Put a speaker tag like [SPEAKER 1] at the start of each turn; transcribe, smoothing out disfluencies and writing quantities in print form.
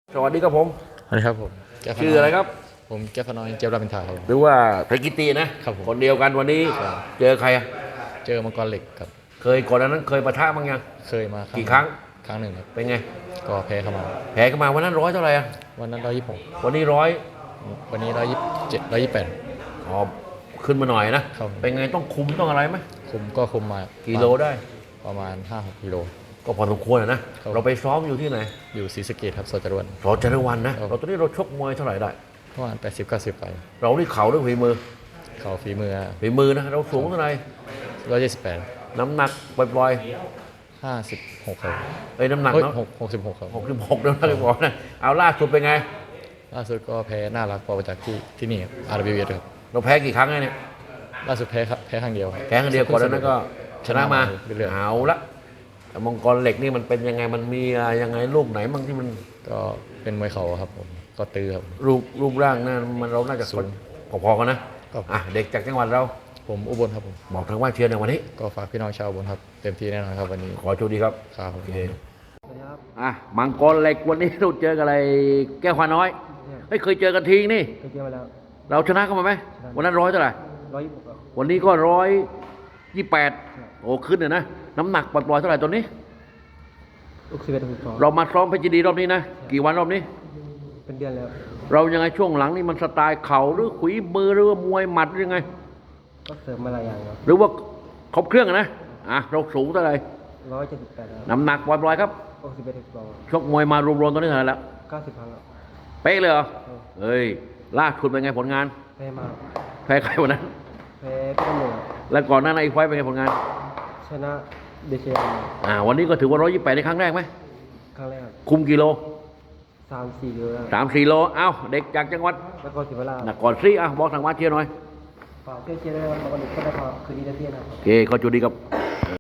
[SPEAKER 1] สวัสดีครับผม
[SPEAKER 2] สวัสดีครับผมแก้วพน
[SPEAKER 1] ชื่ออะไรครับ
[SPEAKER 2] ผมแก้วพน้อยเจี๊ยบรามอินทราครับ
[SPEAKER 1] หรือว่าไทยกิตตีนะครับ
[SPEAKER 2] ผม
[SPEAKER 1] คนเดียวกันวันนี้เจอใครอะ
[SPEAKER 2] เจอมังกรเหล็กครับ
[SPEAKER 1] เคยก่อนนั้นเคยปะทะมั้งยัง
[SPEAKER 2] เคยมา
[SPEAKER 1] กี่ครั้ง
[SPEAKER 2] ครั้งหนึ่งครับ
[SPEAKER 1] เป็นไง
[SPEAKER 2] ก็แพ้เข้ามา
[SPEAKER 1] แพ้กันมาวันนั้นร้อยเท่าไหร่อะ
[SPEAKER 2] วันนั้น126
[SPEAKER 1] วันนี้ร้อย
[SPEAKER 2] วันนี้127 128
[SPEAKER 1] อ๋อขึ้นมาหน่อยนะครับ เป็นไงต้องคุมต้องอะไรไหม
[SPEAKER 2] คุมก็คุมมา
[SPEAKER 1] กี่โลได้
[SPEAKER 2] ประมาณ 5-6 กิโล
[SPEAKER 1] ก็พอสมควรนะครับ เราไปซ้อมอยู่ที่ไหน
[SPEAKER 2] อยู่ศรีสะเกษครับโซจรวน
[SPEAKER 1] สอจรวันนะครับ เราตอนนี้เราชกมวยเท่าไหร่ได้
[SPEAKER 2] ประมาณ80-90 ไป
[SPEAKER 1] เรานี่เข่าด้วยฝีมือ
[SPEAKER 2] เขาฝีมือ
[SPEAKER 1] ฝีมือนะเราสูงเท่าไหร่
[SPEAKER 2] 178
[SPEAKER 1] น้ำหนักปล่อย
[SPEAKER 2] 56ครับ
[SPEAKER 1] ๆไอ้ยน้ำหนัก
[SPEAKER 2] เฮ้ย
[SPEAKER 1] เนาะ
[SPEAKER 2] 66ครับ
[SPEAKER 1] 66น้ำหนักปล่อยๆนะเอาล่าสุดเป็นไง
[SPEAKER 2] ล่าสุดก็แพ้น่ารักพอมาจากที่นี่ครับ RWS ครับ
[SPEAKER 1] เราแพ้กี่ครั้งแล้วเนี่ย
[SPEAKER 2] ล่าสุดแพ้ครับแพ้ครั้งเดียวครับ
[SPEAKER 1] แพ้ครั้งเดียวก่อนนั้นก็ชนะมา
[SPEAKER 2] เรื่อยๆ
[SPEAKER 1] เอาละแต่มังกรเหล็กนี่มันเป็นยังไงมันมีอะไรยังไงลูกไหนบ้างที่มัน
[SPEAKER 2] ก็เป็นมวยเข่าครับผมก็ตื้อครับ
[SPEAKER 1] รูปร่างนั่นมันเราน่าจะ
[SPEAKER 2] สูง
[SPEAKER 1] พอๆกันนะครับ อ่ะเด็กจากจังหวัดเรา
[SPEAKER 2] ผมอุบลครับผม
[SPEAKER 1] บอกทางว่าเชียร์ในวันนี้
[SPEAKER 2] ก็ฝากพี่น้องชาวอุบลครับเต็มที่แน่นอนครับวันนี้
[SPEAKER 1] ขอโชคดีครับ
[SPEAKER 2] ครับ
[SPEAKER 1] โอเคอ่ะมังกรเหล็กวันนี้เราเจอกับอะไรแก้วควาน้อยเฮ้ยเคยเจอกันทีนี่
[SPEAKER 3] เคยเจอมาแล้ว
[SPEAKER 1] เราชนะเข้ามาไหมวันนั้นร้อยเท่าไหร่
[SPEAKER 3] 126ครับ
[SPEAKER 1] วันนี้ก็128โอ้ขึ้นเลยนะน้ำหนักปล่อยๆเท่าไหร่ตอนนี้
[SPEAKER 3] 61-62
[SPEAKER 1] เรามาซ้อมเพชรยินดีรอบนี้นะกี่วันรอบนี้
[SPEAKER 3] เป็นเดือนแล้ว
[SPEAKER 1] เรายังไงช่วงหลังนี่มันสไตล์เข่าหรือขุยมือหรือว่ามวยหมัดหรือยังไง
[SPEAKER 3] ก็เสริมมาหลายอย่างครับ
[SPEAKER 1] หรือว่าครบเครื่องอะนะอ่ะเราสูงเท่าไหร่
[SPEAKER 3] 178ครับ
[SPEAKER 1] น้ำหนักปล่อยๆครับ
[SPEAKER 3] 61-62
[SPEAKER 1] ชกมวยมารวมๆตอนนี้เท่าไหร่แล้ว
[SPEAKER 3] 90 ครั้งครับ
[SPEAKER 1] เป๊ะเลยเหรอเฮ้ยล่าสุดเป็นไงผลงาน
[SPEAKER 3] แพ้มา
[SPEAKER 1] แพ้ใครวันนั้น
[SPEAKER 3] แพ้พี่ตำรวจ
[SPEAKER 1] แล้วก่อนหน้านั้นอีกไฟต์เป็นไงผลงาน
[SPEAKER 3] ชนะเดชยา
[SPEAKER 1] วันนี้ก็ถือว่า128ในครั้งแรกไหม
[SPEAKER 3] ครั้งแรกครับ
[SPEAKER 1] คุมกิโล
[SPEAKER 3] 3-4 กิโลแล้ว
[SPEAKER 1] 3-4 โลเอ้าเด็กจากจังหวัด
[SPEAKER 3] แล้วก็ศิวรา
[SPEAKER 1] นครศรีบอกทางวัดเชียร์หน่อย
[SPEAKER 3] ฝากเชียร์ด้วยนะครับแล้วก็เด็กก็ได้พอคืนนี้จะเที่ยงนะครับ
[SPEAKER 1] โอเคขอจุดดีครับ